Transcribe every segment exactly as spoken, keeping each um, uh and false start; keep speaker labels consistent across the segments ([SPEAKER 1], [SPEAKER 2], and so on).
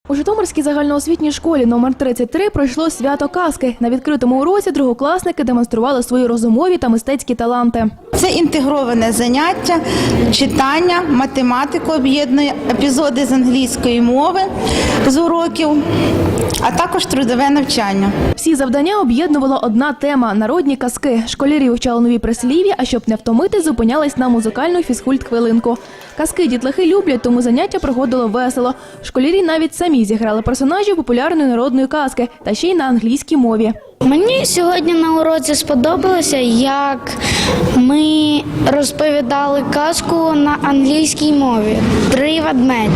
[SPEAKER 1] У Житомирській загальноосвітній школі номер тридцять три пройшло свято казки. На відкритому уроці другокласники демонстрували свої розумові та мистецькі таланти.
[SPEAKER 2] Це інтегроване заняття, читання, математику об'єднує, епізоди з англійської мови з уроків, а також трудове навчання.
[SPEAKER 1] Всі завдання об'єднувала одна тема – народні казки. Школярі вивчали нові прислів'я, а щоб не втомити, зупинялись на музикальну фізкульт-хвилинку. Казки дітлахи люблять, тому заняття проходило весело. Школярі навіть самі зіграли персонажів популярної народної казки, та ще й на англійській мові.
[SPEAKER 3] Мені сьогодні на уроці сподобалося, як ми розповідали казку на англійській мові «Три ведмеді».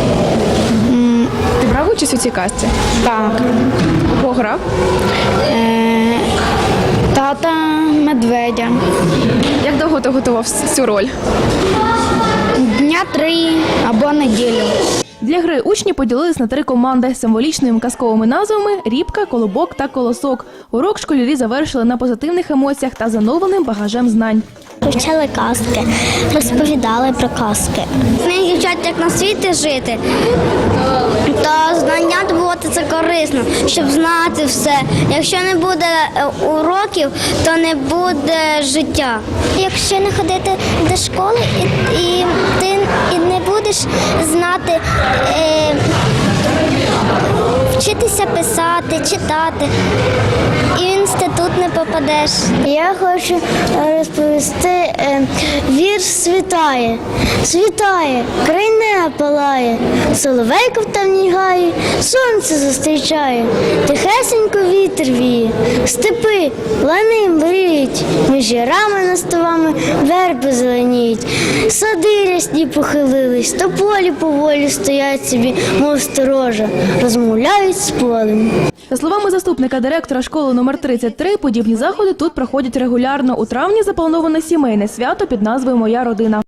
[SPEAKER 1] Ти брав участь у цій казці?
[SPEAKER 3] Так.
[SPEAKER 1] Кого грав?
[SPEAKER 3] Е, тата медведя.
[SPEAKER 1] Як довго ти готував цю роль?
[SPEAKER 3] Дня три або неділю.
[SPEAKER 1] Для гри учні поділились на три команди з символічними казковими назвами «Рібка», «Колобок» та «Колосок». Урок школярі завершили на позитивних емоціях та з оновленим багажем знань.
[SPEAKER 4] Вивчали казки, розповідали про казки. Вони вчать, як на світі жити, та знання добувати це корисно, щоб знати все. Якщо не буде уроків, то не буде життя. Якщо не ходити до школи, і, і ти і не будеш знати, е, вчитися писати, читати, і в інститут не попадеш. Я хочу розповісти е, вірш «Світає». Світає, край неба палає, соловейко в темній гаї, сонце зустрічає, тихесенько вітер віє, степи лани мріють, між ярами наставами верби зеленіють, сади рясні похилились, то полі поволі стоять собі, мов сторожа, розмовляють з полем.
[SPEAKER 1] За словами заступника директора школи номер тридцять три, подібні заходи тут проходять регулярно. У травні заплановане сімейне свято під назвою «Моя родина».